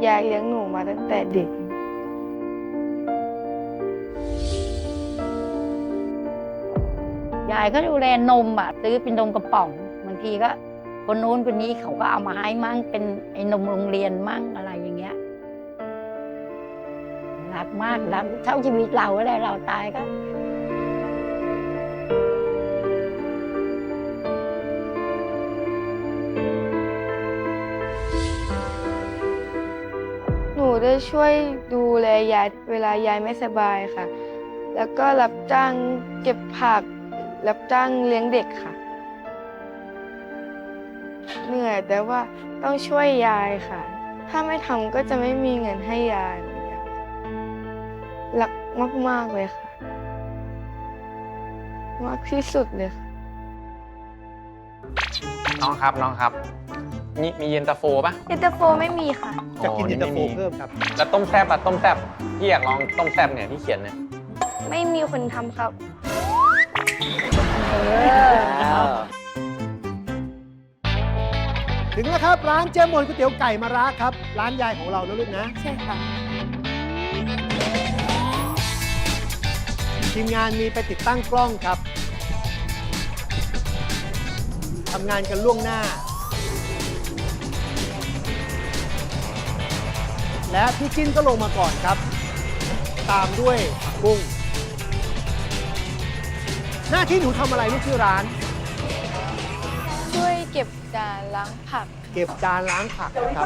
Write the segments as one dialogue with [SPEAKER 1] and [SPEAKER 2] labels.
[SPEAKER 1] ยายเลี้ยงหนูมาตั้งแต่เด็ก
[SPEAKER 2] ยายก็ดูแลนมซื้อเป็นนมกระป๋องบางทีก็คนนู้นคนนี้เขาก็เอามาให้มั่งเป็นไอ้นมโรงเรียนมั่งอะไรอย่างเงี้ยรักมากรักเท่าชีวิตเราก็ได้เราตายก็
[SPEAKER 1] หนูได้ช่วยดูแลยายเวลายายไม่สบายค่ะแล้วก็รับจ้างเก็บผักรับจ้างเลี้ยงเด็กค่ะเหนื่อยแต่ว่าต้องช่วยยายค่ะถ้าไม่ทำก็จะไม่มีเงินให้ยายรักมากๆเลยค่ะมากที่สุดเลยค่ะ
[SPEAKER 3] น้องครับนี่มีเย็นตาโฟป่ะ
[SPEAKER 1] เย็นตาโฟไม่มีค่ะ
[SPEAKER 4] จะกินเย็นตาโฟเพิ่มครับ
[SPEAKER 3] แล้วต้มแซ่บต้มแซ่บพี่อยากลองต้มแซ่บเนี่ยที่เขียนเนี่ย
[SPEAKER 1] ไม่มีคนทำครับ
[SPEAKER 4] ถึงแล้วครับร้านเจมอนก๋วยเตี๋ยวไก่มะระครับร้านยายของเรานะลูกนะ
[SPEAKER 1] ใช่ค่ะ
[SPEAKER 4] ทีมงานมีไปติดตั้งกล้องครับทำงานกันล่วงหน้า และพี่จิ้นก็ลงมาก่อนครับ ตามด้วยผักบุ้งหน้าที่หนูทำอะไรลูกที่ร้าน
[SPEAKER 1] ช่วยเก็บจานล้างผัก
[SPEAKER 4] เก็บจานล้างผักครับ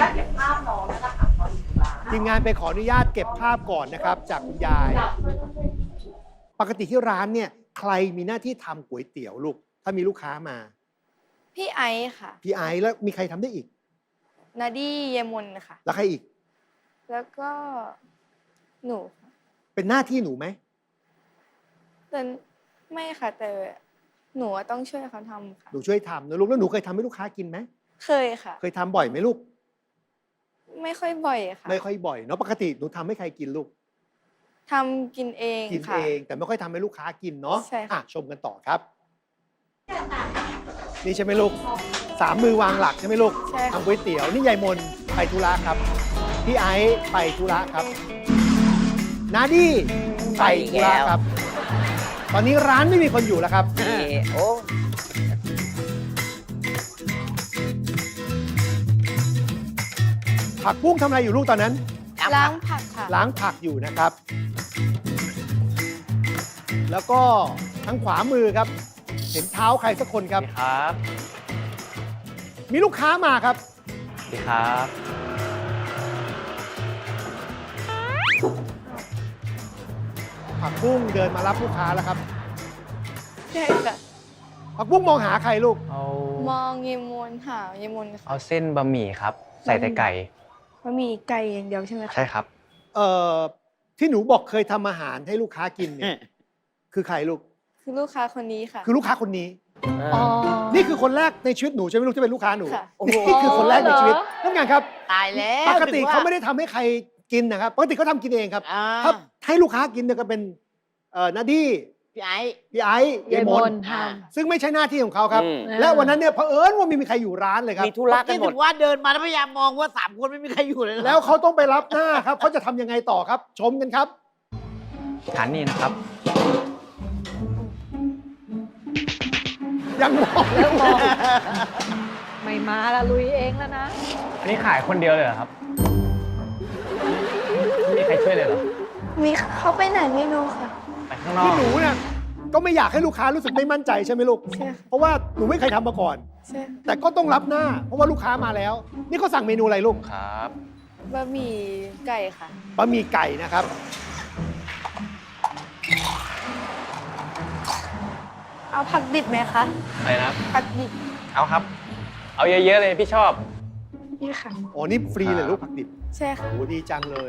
[SPEAKER 4] ทีมงานไปขออนุญาตเก็บภาพก่อนนะครับ จากคุณยาย ปกติที่ร้านเนี่ยใครมีหน้าที่ทำก๋วยเตี๋ยวลูก ถ้ามีลูกค้ามา
[SPEAKER 1] พี่ไอซ์ค่ะ
[SPEAKER 4] พี่ไอซ์แล้วมีใครทำได้อีก
[SPEAKER 1] นาดี้เยมนค่ะ
[SPEAKER 4] แล้วใครอีก
[SPEAKER 1] แล้วก็หนูค่ะ
[SPEAKER 4] เป็นหน้าที่หนูไหม
[SPEAKER 1] แต่ไม่ค่ะ แต่หนูต้องช่วยเขาทำค่ะ
[SPEAKER 4] หนูช่วยทำนะลูกแล้วหนูเคยทำให้ลูกค้ากินไหม
[SPEAKER 1] เคยค่ะ
[SPEAKER 4] เคยทำบ่อยไหมลูก
[SPEAKER 1] ไม่ค่อยบ่อยค่ะ
[SPEAKER 4] ไม่ค่อยบ่อยเนาะปกติหนูทำให้ใครกินลูก
[SPEAKER 1] ทำกินเอง
[SPEAKER 4] กิน
[SPEAKER 1] ค่ะ
[SPEAKER 4] เองแต่ไม่ค่อยทำให้ลูกค้ากินเนาะ
[SPEAKER 1] ใช่ค่ะ
[SPEAKER 4] ชมกันต่อครับ นี่ใช่ไหมลูกสามมือวางหลักใช่ไหมลูก
[SPEAKER 1] ใช่ค่ะ
[SPEAKER 4] ทำก๋วยเตี๋ยวนี่ยายมนไปธุระครับพี่ไอซ์ไปธุระครับนาดี้ไปธุระครับ ตอนนี้ร้านไม่มีคนอยู่แล้วครับ
[SPEAKER 5] โอ้
[SPEAKER 4] ผักบุ้งทำอะไรอยู่ลูกตอนนั้น
[SPEAKER 1] ล้างผักค่ะ
[SPEAKER 4] ล้างผักอยู่นะครับ แล้วก็ทางขวามือครับ เห็นเท้าใครสักคนครับ
[SPEAKER 3] ครับ
[SPEAKER 4] มีลูกค้ามาครับ
[SPEAKER 3] สวัสดีครับ
[SPEAKER 4] ผักบุ้งเดินมารับลูกค้าแล้วครับ
[SPEAKER 1] ใช่ค่ะ
[SPEAKER 4] ผักบุ้งมองหาใครลูก
[SPEAKER 3] เอา
[SPEAKER 1] มองเยมนหาเยมนค่ะ
[SPEAKER 3] เอาเส้นบะหมี่ครับ ใส่แต่ไก่
[SPEAKER 1] มันมีไก่อย่างเดียวใช่ไหมคะ
[SPEAKER 3] ใช่ครับ
[SPEAKER 4] ที่หนูบอกเคยทำอาหารให้ลูกค้ากินเนี่ยคือใครลูก
[SPEAKER 1] คือลูกค้าคนนี้ค่ะ
[SPEAKER 4] คือลูกค้าคนนี้
[SPEAKER 1] อ๋อ
[SPEAKER 4] นี่คือคนแรกในชีวิตหนูใช่ไหมลูกที่เป็นลูกค้าหนู
[SPEAKER 1] ค่ะ
[SPEAKER 4] นี่คือคนแรกในชีวิตนั่นไงครับ
[SPEAKER 5] ตายแล้ว
[SPEAKER 4] ปกติเขาไม่ได้ทำให้ใครกินนะครับปกติเขาทำกินเองครับ
[SPEAKER 5] อ่า
[SPEAKER 4] ถ้าให้ลูกค้ากินเนี่ยก็เป็นนาดี้
[SPEAKER 5] พี่ไอ้
[SPEAKER 4] พี่ไอซ์ยายมน
[SPEAKER 5] อ่า
[SPEAKER 4] ซึ่งไม่ใช่หน้าที่ของเขาครับ
[SPEAKER 5] อืม
[SPEAKER 4] และวันนั้นเนี่ยเผอิญว่าไม่มีใครอยู่ร้านเลยครับ
[SPEAKER 5] มีธุระกันหมดว่าเดินมาแล้วพยายามมองว่า3 คนไม่มีใครอยู่เลยเหรอ
[SPEAKER 4] แล้วเขาต้องไปรับหน้าครับเขาจะทำยังไงต่อครับ ชมกันครับ
[SPEAKER 3] ฐานนี้นะครับ
[SPEAKER 4] ยังมอง
[SPEAKER 2] เริ่มมองไม่มาละลุยเองแล้วนะ
[SPEAKER 3] อันนี้ขายคนเดียวเลยเหรอครับไม่มีใครช่วยเลยเหรอ
[SPEAKER 1] มีเขาไปไหนไม่รู้ค่ะ
[SPEAKER 3] ไปข้างนอ
[SPEAKER 4] ที่
[SPEAKER 3] ก
[SPEAKER 4] หนูเนี่ยก็ไม่อยากให้ลูกค้ารู้สึกไม่มั่นใจใช่ไหมลูก
[SPEAKER 1] ใช่ค่ะ
[SPEAKER 4] เพราะว่าหนูไม่เคยทำมาก่อน
[SPEAKER 1] ใช่
[SPEAKER 4] แต่ก็ต้องรับหน้า เพราะว่าลูกค้ามาแล้ว นี่เขาสั่งเมนูอะไรลูก
[SPEAKER 3] ครับ
[SPEAKER 1] บะหมี่ไก่ค่ะ
[SPEAKER 4] บะหมี่ไก่นะครับ
[SPEAKER 1] เอาผักดิบไหมคะ
[SPEAKER 3] อะไรนะครับ
[SPEAKER 1] ผักดิบ
[SPEAKER 3] เอาครับ เอาเยอะๆเลยพี่ชอบ
[SPEAKER 1] นี่ค่ะ
[SPEAKER 4] อ๋อ นี่ฟรีเลยลูกผักดิบ
[SPEAKER 1] ใช่ค่ะ
[SPEAKER 4] โอ้ดีจังเลย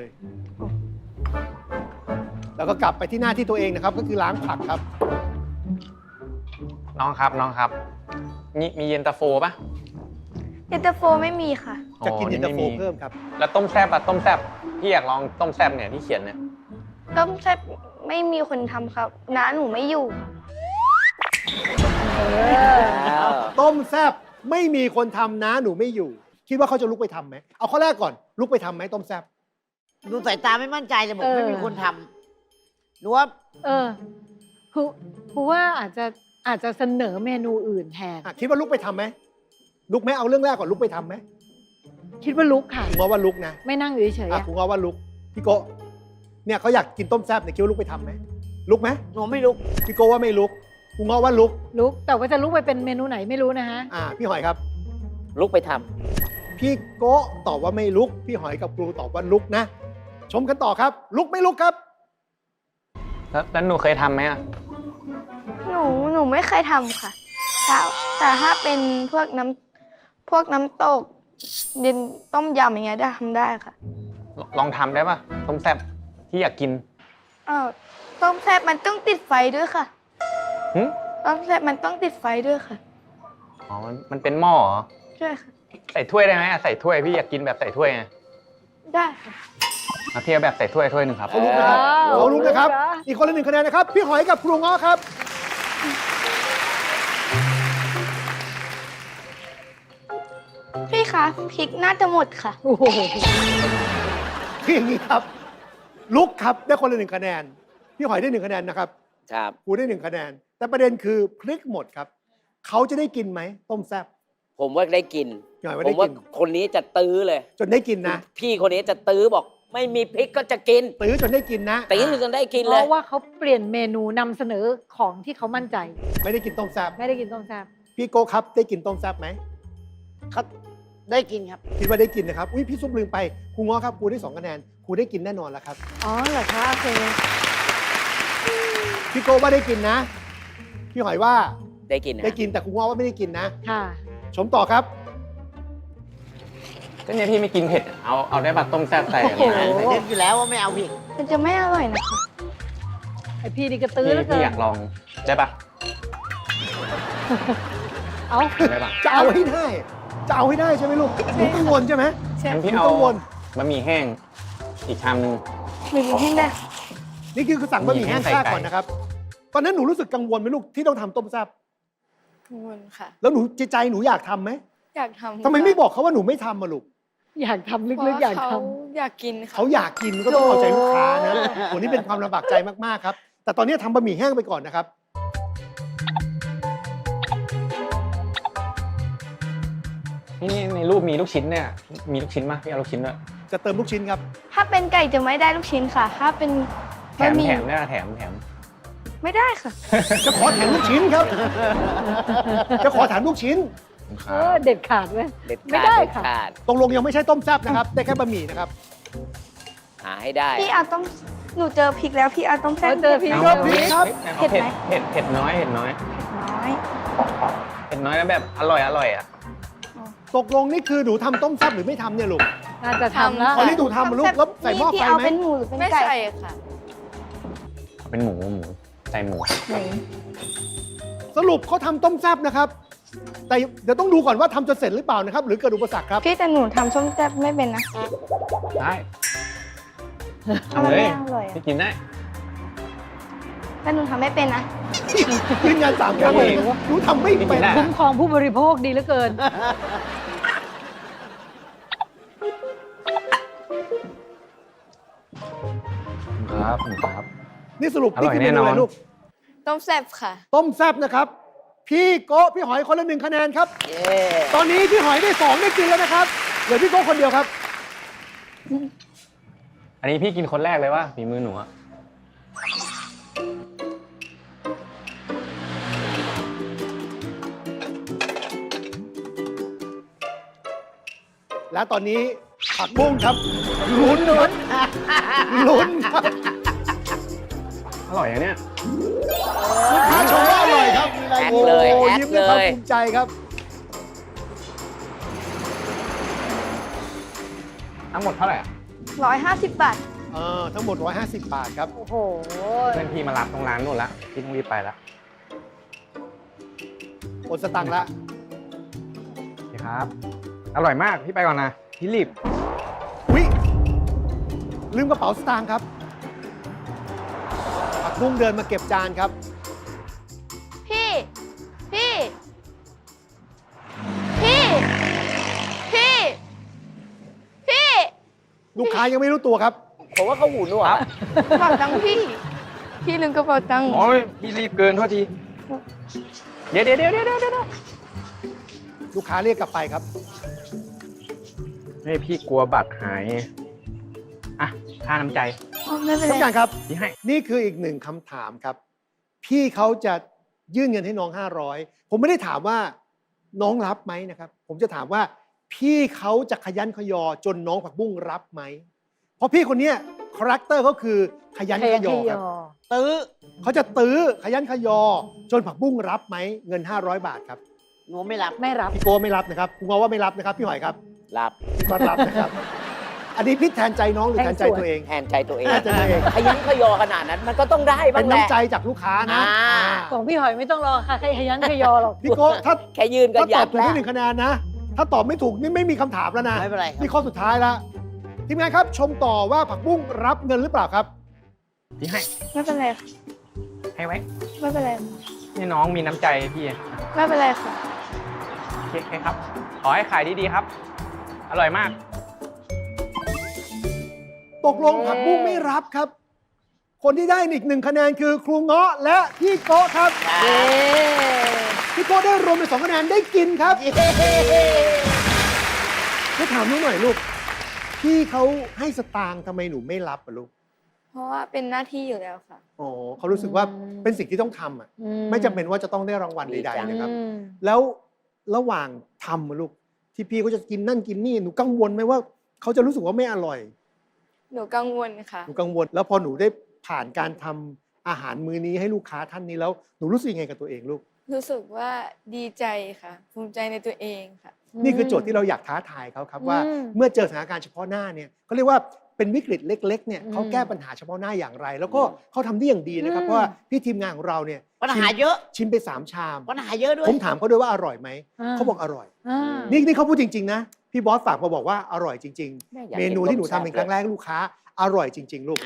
[SPEAKER 4] แล้วก็กลับไปที่หน้าที่ตัวเองนะครับ ก็คือล้างผักครับ
[SPEAKER 3] น้องครับ นี่มีเย็นตาโฟป่ะ
[SPEAKER 1] เย็นตาโฟไม่มีค่ะ
[SPEAKER 4] จะกินเย็นตาโฟ
[SPEAKER 3] ไม่มี
[SPEAKER 4] เพิ่มครับ
[SPEAKER 3] แล้วต้มแซ่บต้มแซ่บพี่อยากลองต้มแซ่บเนี่ยที่เขียนเนี่ย
[SPEAKER 1] ต้มแซ่บไม่มีคนทำครับน้าหนูไม่อยู่
[SPEAKER 4] ต้มแซบไม่มีคนทำนะหนูไม่อยู่คิดว่าเขาจะลุกไปทำไหมเอาข้อแรกก่อนลุกไปทำไหมต้มแซ่บ
[SPEAKER 5] ดูสายตาไม่มั่นใจเลยบอกไม่มีคนทำหนูว่า
[SPEAKER 6] ครูว่าอาจจะเสนอเมนูอื่นแทน
[SPEAKER 4] คิดว่าลุกไปทำไหมลุกไหมเอาเรื่องแรกก่อนลุกไปทำไหม
[SPEAKER 6] คิดว่าลุกค่ะ
[SPEAKER 4] ครูง้อว่าลุกนะ
[SPEAKER 6] ไม่นั่งอยู่เฉยๆอะ
[SPEAKER 4] ครูง้อว่าลุกพี่โกะเนี่ยเขาอยากกินต้มแซ่บเนี่ยคิดว่าลุกไปทำไหมลุกไหม
[SPEAKER 5] หนูไม่ลุก
[SPEAKER 4] พี่โกะว่าไม่ลุกครูง้อว่าลุก
[SPEAKER 6] ลุกแต่ว่าจะลุกไปเป็นเมนูไหนไม่รู้นะฮะ
[SPEAKER 4] พี่หอยครับ
[SPEAKER 5] ลุกไปท
[SPEAKER 4] พี่โกะตอบว่าไม่ลุก พี่หอยกับครูตอบว่าลุกนะ ชมกันต่อครับ ลุกไม่ลุกครับ
[SPEAKER 3] แล้วหนูเคยทำไหมอ่ะ
[SPEAKER 1] หนูไม่เคยทำค่ะแต่ถ้าเป็นพวกน้ำตกเย็นต้มยำอย่างเงี้ยได้ทำได้ค่ะ
[SPEAKER 3] ลองทำได้ปะต้มแซ่บที่อยากกิน
[SPEAKER 1] ต้มแซ่บมันต้องติดไฟด้วยค่ะ
[SPEAKER 3] หึ
[SPEAKER 1] ต้มแซ่บมันต้องติดไฟด้วยค่ะ
[SPEAKER 3] อ๋อมันเป็นหม้อเหรอ
[SPEAKER 1] ใช่ค่ะ
[SPEAKER 3] ใส่ถ้วยได้ไหมใส่ถ้วยพี่อยากกินแบบใส่ถ้วยไง
[SPEAKER 1] ได้ค่ะ
[SPEAKER 3] เอาเทียบแบบใส่ถ้วยถ้วยหนึ่งครับ
[SPEAKER 4] เขาลุกนะครับ
[SPEAKER 6] ว้าว
[SPEAKER 4] เขาลุกนะครับ
[SPEAKER 6] ลุกนะ
[SPEAKER 4] อีกคนละ1 คะแนนนะครับ พี่หอยกับครูง้อครับ
[SPEAKER 1] พี่คะพริกน่าจะหมดค่ะ
[SPEAKER 6] โอ้โห
[SPEAKER 4] คืออย่างนี้ครับ ลุกครับได้คนละ1 คะแนน พี่หอยได้1 คะแนนนะครับ
[SPEAKER 5] ำครับ
[SPEAKER 4] ครูได้1 คะแนน แต่ประเด็นคือพริกหมดครับ เขาจะได้กินไหมต้มแซ่บ
[SPEAKER 7] ผมว่าได้กิน
[SPEAKER 4] พี่หอยว่า
[SPEAKER 7] ผ
[SPEAKER 4] ได้
[SPEAKER 7] มว่า
[SPEAKER 4] กิน
[SPEAKER 7] คนนี้จะตื้อเลย
[SPEAKER 4] จนได้กินนะ
[SPEAKER 7] พี่คนนี้จะตื้อบอก ไม่มีพริกก็จะกิน
[SPEAKER 4] ตื้อจนได้กินนะ
[SPEAKER 7] ตื้อจนได้กิน
[SPEAKER 6] เพ
[SPEAKER 7] เลย
[SPEAKER 6] ราะว่าเขาเปลี่ยนเมนูนำเสนอของที่เขามั่นใจ
[SPEAKER 4] ไม่ได้กินต้มแซ่บ
[SPEAKER 6] ไม่ได้กินต้มแซ่บ
[SPEAKER 4] พี่โกครับได้กินต้มแซ่บไหม
[SPEAKER 5] เขาได้กินครับ
[SPEAKER 4] คิดว่าได้กินนะครับ อุ้ยพี่ซุปลืมไปครูง้อครับครูได้2 คะแนนครูได้กินแน่นอนแล้วครับ
[SPEAKER 6] อ๋อเหรอคะโอเค
[SPEAKER 4] พี่โกว่าได้กินนะ พี่หอยว่า
[SPEAKER 7] ได้กินนะ
[SPEAKER 4] ได้กินแต่ครูง้อว่าไม่ได้กินนะ
[SPEAKER 6] ค่ะ
[SPEAKER 4] ชมต่อครับ
[SPEAKER 3] ก็เนี่ยพี่ไม่กินเผ็ด เอาได้ปะต้มแซ่บใส่
[SPEAKER 6] โอ้โห
[SPEAKER 5] เล่นอยู่แล้วว่าไม่เอาผิด
[SPEAKER 1] มันจะไม่อร่อยนะคะ
[SPEAKER 6] ไอพี่นี่ก็ตื้อ
[SPEAKER 3] พี่
[SPEAKER 6] แล้วเกิ
[SPEAKER 3] พี่
[SPEAKER 6] น
[SPEAKER 3] อยากลองได้ปะ
[SPEAKER 6] เอา
[SPEAKER 3] ได้ปะ
[SPEAKER 4] จะเอาให้ได้ จะเอาให้ได้ใช่ไหมลูกหนูกังวลใช่ไหม
[SPEAKER 3] งั้น
[SPEAKER 4] ห
[SPEAKER 3] พี่
[SPEAKER 4] นู
[SPEAKER 3] เอา
[SPEAKER 4] กังวล
[SPEAKER 3] บะหมี่แห้งอีกชามนึง
[SPEAKER 1] หนูให้ได้
[SPEAKER 4] นี่คือสั่งบะหมี่แห้ง
[SPEAKER 3] ใส่
[SPEAKER 4] ซ่า
[SPEAKER 3] ไก่
[SPEAKER 4] ก่อนนะครับ ตอนนั้นหนูรู้สึกกังวลไหมลูกที่ต้องทำต้มแซ่บ
[SPEAKER 1] กังวลค่ะ
[SPEAKER 4] แล้วหนูใจหนูอยากทำไหม
[SPEAKER 1] อยากทำ
[SPEAKER 4] ทำไมไม่บอกเขาว่าหนูไม่ทำมาลูก
[SPEAKER 6] อยากทำลึกๆอยากท
[SPEAKER 1] อยากกินค่ะ
[SPEAKER 4] เขาอยากกินก็ต้องเอาใจลูกค้านะโหนี่เป็นความลำบากใจมากๆครับ แต่ตอนนี้ทำบะหมี่แห้งไปก่อนนะครับ
[SPEAKER 3] นี่ในรูปมีลูกชิ้นเนี่ย มีลูกชิ้นมั้ยพี่เอาลูกชิ้นด้วย
[SPEAKER 4] จะเติมลูกชิ้นครับ
[SPEAKER 1] ถ้าเป็นไก่จะไม่ได้ลูกชิ้นค่ะ ถ้าเป็น
[SPEAKER 3] แถ
[SPEAKER 1] บะ
[SPEAKER 3] ม
[SPEAKER 1] หมี่
[SPEAKER 3] แถมได้ปะแถม
[SPEAKER 1] ไม่ได้ค่ะ
[SPEAKER 4] จะขอแถมลูกชิ้นครับ จะขอแถมลูกชิ้น
[SPEAKER 6] ำเด็ดขาดไหม
[SPEAKER 7] เด็ด
[SPEAKER 6] ไม่
[SPEAKER 7] ขาด
[SPEAKER 6] ได้
[SPEAKER 7] เด็ด
[SPEAKER 6] ค่ะ
[SPEAKER 7] ขาด
[SPEAKER 4] ตรงลงยังไม่ใช่ต้มแซ่บนะครับ ได้แค่บะหมี่นะครับ
[SPEAKER 7] หาให้ได้
[SPEAKER 1] พี่เอาต้มหนูเจอพริกแล้วพี่เอาต้มแซ่บ
[SPEAKER 6] เจอพริก
[SPEAKER 4] ครับพริกครับ
[SPEAKER 1] เผ็ดไหม
[SPEAKER 3] เผ็ดน้อย
[SPEAKER 1] น้อย
[SPEAKER 3] เผ็ดน้อยแล้วแบบอร่อยอ่ะ
[SPEAKER 4] ตกลงนี่คือหนูทำต้มแซ่บหรือไม่ทำเนี่ยลูก
[SPEAKER 6] น่าจะทำแล้ว
[SPEAKER 4] ตอนนี้หนูทำลูกแล้วใส่หม้อไฟ
[SPEAKER 1] พี่เอา
[SPEAKER 4] ไหม
[SPEAKER 1] เป็นหมูหรือเป็น
[SPEAKER 8] ไม่
[SPEAKER 1] ไก่
[SPEAKER 8] ใส่ค่ะ
[SPEAKER 3] เป็นหมูใส่หมู
[SPEAKER 4] สรุปเขาทำต้มแซ่บนะครับ แต่เดี๋ยวต้องดูก่อนว่าทำจะเสร็จหรือเปล่านะครับ หรือเกิดอุปสรรคครับ
[SPEAKER 1] พี่แต่หนูทำส้มแซ่บไม่เป็นนะ
[SPEAKER 3] ได้
[SPEAKER 1] เอามัน
[SPEAKER 3] เล
[SPEAKER 1] ไม่
[SPEAKER 3] ย
[SPEAKER 1] อร่อยอะ
[SPEAKER 3] พี่กินได้
[SPEAKER 1] แต่หนูทำไม่เป็นนะ
[SPEAKER 4] ยืนยัน3 ครั้งเลยหนูทำไม่เป็น
[SPEAKER 6] คุ้มครองผู้บริโภคดีเหลือเกิน
[SPEAKER 3] ครับ
[SPEAKER 4] นี่สรุป
[SPEAKER 3] อร่
[SPEAKER 4] นี่
[SPEAKER 3] อย
[SPEAKER 4] คือเมนูอะไร
[SPEAKER 3] แน่นอน
[SPEAKER 4] ลูก
[SPEAKER 8] ต้มแซ่บค่ะ
[SPEAKER 4] ต้มแซ่บนะครับ พี่โกะพี่หอยคนละ1 คะแนนครับ
[SPEAKER 5] เย้
[SPEAKER 4] ตอนนี้พี่หอยได้2ได้กินแล้วนะครับ เหลือพี่โกะคนเดียวครับ
[SPEAKER 3] อันนี้พี่กินคนแรกเลยว่าฝีมือหนูอะ
[SPEAKER 4] และตอนนี้ผักบุ้งครับลุ้นครับลุ้นครับ
[SPEAKER 3] อร่อยอะเนี่ย
[SPEAKER 4] ลูกค้าชมว่าอร่อยครับ
[SPEAKER 7] แอดเลย
[SPEAKER 4] โอ้
[SPEAKER 7] แอด
[SPEAKER 4] ยิ้มด้วยความ
[SPEAKER 7] เลย
[SPEAKER 4] ภูมิใจครับ
[SPEAKER 3] ทั้งหมดเท่าไหร่อะ
[SPEAKER 1] 150 บาท
[SPEAKER 4] ทั้งหมด 150 บาทครับ
[SPEAKER 6] โอ้โห
[SPEAKER 3] เพื่อนพี่มารับตรงร้านนู่นละพี่ต้องรีบไปละ
[SPEAKER 4] โอนสตังค์ละ
[SPEAKER 3] โอเคครับ อร่อยมากพี่ไปก่อนนะพี่รีบ
[SPEAKER 4] วิลืมกระเป๋าสตางค์ครับผักบุ้งเดินมาเก็บจานครับ
[SPEAKER 1] พี่ พี่ พี่ พี่
[SPEAKER 4] ลูกค้ายังไม่รู้ตัวครับ
[SPEAKER 7] ผมว่าเขาหูหนวก
[SPEAKER 3] ครับ
[SPEAKER 1] กระเป๋าตังค์พี่ พี่ลืมกระเป๋าตังค์
[SPEAKER 3] โอ้ยพี่รีบเกินโทษที เดี๋ยว
[SPEAKER 4] ลูกค้าเรียกกลับไปครับ
[SPEAKER 3] ให้พี่กลัวบัตรหาย อ่ะ ค่าน้ำใจ
[SPEAKER 1] อ๋อไม่เป็น
[SPEAKER 4] ท่านผู้
[SPEAKER 1] ไร
[SPEAKER 4] การครับ
[SPEAKER 3] พี่ให้
[SPEAKER 4] นี่คืออีกหนึ่งคำถามครับ พี่เขาจะยื่นเงินให้น้อง 500 ผมไม่ได้ถามว่าน้องรับไหมนะครับ ผมจะถามว่าพี่เขาจะขยันขยอจนน้องผักบุ้งรับไหม เพราะพี่คนเนี้ยคาแรคเตอร์เขาคือขยันขยอครับ
[SPEAKER 5] ตื้อ
[SPEAKER 4] เขาจะตื้อขยันขยอ จนผักบุ้งรับไหมเงิน 500 บาทครับ
[SPEAKER 5] หนูไม่รับ
[SPEAKER 6] ไม่รับ
[SPEAKER 4] พี่โก้ไม่รับนะครับคุณงอว่าไม่รับนะครับพี่หอยครับ
[SPEAKER 7] รับ
[SPEAKER 4] พี่ก็รับนะครับ อันนี้พี่แทนใจน้องหรือแทนใจตัวเอง
[SPEAKER 7] แทนใจตัวเอง
[SPEAKER 4] แทนใจตัวเอง
[SPEAKER 7] ขยันขยอขนาดนั้น มันก็ต้องได้บ้า
[SPEAKER 4] เป็
[SPEAKER 7] ง
[SPEAKER 4] น
[SPEAKER 7] แหละ
[SPEAKER 4] น้ำใจจากลูกค้านะ
[SPEAKER 7] อ่า
[SPEAKER 6] ของพี่หอยไม่ต้องรอค่ะใครขยันขยอหรอก
[SPEAKER 4] พี่โก้ถ้า
[SPEAKER 7] แค่ยืนก็
[SPEAKER 4] ถ้าต
[SPEAKER 7] ยั
[SPEAKER 4] อบ
[SPEAKER 7] ด
[SPEAKER 4] ถูก
[SPEAKER 7] แล้ว
[SPEAKER 4] ได้1 คะแนนนะ ถ้าตอบไม่ถูกนี่ไม่มีคำถามแล้วนะ
[SPEAKER 5] ไม่เป็นไรครับ
[SPEAKER 4] นี่ข้อสุดท้ายแล้วทีมงานครับชมต่อว่าผักบุ้งรับเงินหรือเปล่าครับ
[SPEAKER 3] พี่ให้
[SPEAKER 1] ไม่เป็นไรค่ะ
[SPEAKER 3] ให้ไว้
[SPEAKER 1] ไม่เป็นไร
[SPEAKER 3] นี่น้องมีน้ำใจพี่
[SPEAKER 1] ไม่เป็นไรค่ะ
[SPEAKER 3] โอเคครับ ขอให้ขายดีๆครับ อร่อยมาก
[SPEAKER 4] ตกลงผักบุ้งไม่รับครับ คนที่ได้อีก1 คะแนนคือครูเงาะและพี่โก้ครับ
[SPEAKER 6] เย้
[SPEAKER 4] พี่โก้ได้รวมเป็น2 คะแนนได้กินครับให้ถามหนูหน่อยลูกพี่เขาให้สตางค์ทำไมหนูไม่รับอะลูก
[SPEAKER 1] เพราะว่าเป็นหน้าที่อยู่แล้วค่ะ
[SPEAKER 4] อ๋อเขารู้สึกว่าเป็นสิ่งที่ต้องทำอ่ะ ไม่จำเป็นว่าจะต้องได้รางวัล
[SPEAKER 7] ดี
[SPEAKER 4] ใด
[SPEAKER 7] จัง
[SPEAKER 4] ๆนะครับ
[SPEAKER 6] อืม
[SPEAKER 4] แล้วระหว่างทำอะลูกที่พี่เขาจะกินนั่นกินนี่หนูกังวลไหมว่าเขาจะรู้สึกว่าไม่อร่อย
[SPEAKER 1] หนูกังวลค่ะ
[SPEAKER 4] หนูกังวลแล้วพอหนูได้ผ่านการทำอาหารมื้อนี้ให้ลูกค้าท่านนี้แล้วหนูรู้สึกยังไงกับตัวเองลูก
[SPEAKER 1] รู้สึกว่าดีใจค่ะ ภูมิใจในตัวเองค่ะ
[SPEAKER 4] นี่คือโจทย์ที่เราอยากท้าทายเขาครับว่า
[SPEAKER 6] อืม
[SPEAKER 4] เมื่อเจอสถานการณ์เฉพาะหน้าเนี่ยเขาเรียกว่าเป็นวิกฤตเล็กๆเนี่ย
[SPEAKER 6] อืม
[SPEAKER 4] เขาแก้ปัญหาเฉพาะหน้าอย่างไร แล้วก็เขาทำได้อย่างดีนะครับ
[SPEAKER 6] อืม
[SPEAKER 4] เพราะว่าพี่ทีมงานของเราเนี่ย
[SPEAKER 5] ปัญหาเยอะ
[SPEAKER 4] ชิมไป3 ชาม
[SPEAKER 5] ปัญหาเยอะด้วย
[SPEAKER 4] ผมถามเขาด้วยว่าอร่อยไหมเขาบอกอร่อย
[SPEAKER 6] อ่า
[SPEAKER 4] นี่เขาพูดจริงๆนะพี่บอสฝากมาบอกว่าอร่อยจริง
[SPEAKER 7] แม่อยา
[SPEAKER 4] ๆ
[SPEAKER 7] ก
[SPEAKER 4] เม
[SPEAKER 7] กิน
[SPEAKER 4] นูที่หนู
[SPEAKER 7] ต้ม
[SPEAKER 4] ทำ
[SPEAKER 7] แซ่บ
[SPEAKER 4] เป็นครั้งแรกให้ลูกค้าอร่อยจริง ๆ ลูก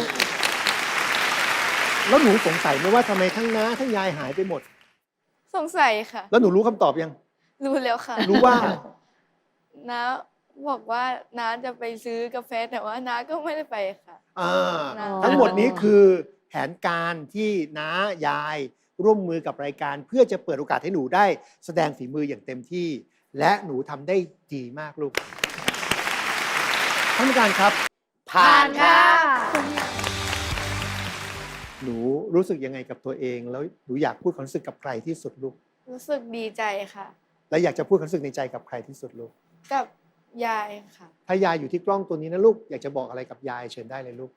[SPEAKER 4] แล้วหนูสงสัยไหมว่าทำไมทั้งน้าทั้งยายหายไปหมด
[SPEAKER 1] สงสัยค่ะ
[SPEAKER 4] แล้วหนูรู้คำตอบยัง
[SPEAKER 1] รู้แล้วค่ะ
[SPEAKER 4] รู้ว่า
[SPEAKER 1] น้าบอกว่าน้าจะไปซื้อกาแฟแต่ว่าน้าก็ไม่ได้ไปค่ะ
[SPEAKER 4] อ่า
[SPEAKER 1] อ๋อ
[SPEAKER 4] ทั้งหมดนี้คือแผนการที่น้ายายร่วมมือกับรายการ เพื่อจะเปิดโอกาสให้หนูได้แสดงฝีมืออย่างเต็มที่ และหนูทำได้ดีมากลูกท่านผู้การครับ
[SPEAKER 7] ผ่านค่ะ
[SPEAKER 4] หนูรู้สึกยังไงกับตัวเอง แล้วหนูอยากพูดความรู้สึกกับใครที่สุดลูก
[SPEAKER 1] รู้สึกดีใจค่ะ
[SPEAKER 4] และอยากจะพูดความรู้สึกในใจกับใครที่สุดลูก
[SPEAKER 1] กับยายค่ะ
[SPEAKER 4] ถ้ายายอยู่ที่กล้องตัวนี้นะลูกอยากจะบอกอะไรกับยายเชิญได้เลยลูก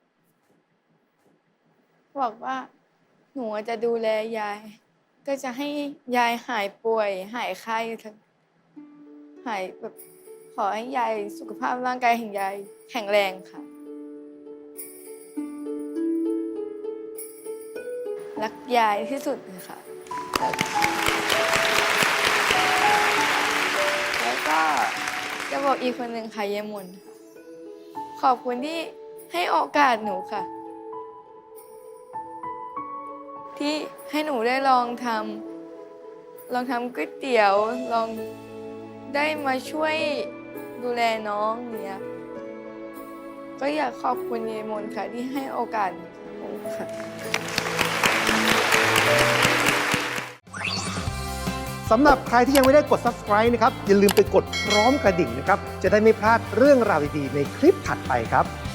[SPEAKER 1] บอกว่าหนูจะดูแลยาย ก็จะให้ยายหายป่วย หายไข้หายแบบขอให้ยายสุขภาพร่างกายแห่งยายแข็งแรงค่ะ รักยายที่สุดเลยค่ะ แล้วก็จะบอกอีกคนหนึ่งค่ะเยายมนค่ะขอบคุณที่ให้โอกาสหนูค่ะ ที่ให้หนูได้ลองทำก๋วยเตี๋ยว ลองได้มาช่วยดูแลน้องเนี่ยก็อยากขอบคุณยายมนค่ะที่ให้โอกาสหนูค่ะ
[SPEAKER 4] สำหรับใครที่ยังไม่ได้กด subscribe นะครับ อย่าลืมไปกดพร้อมกระดิ่งนะครับ จะได้ไม่พลาดเรื่องราวดีๆในคลิปถัดไปครับ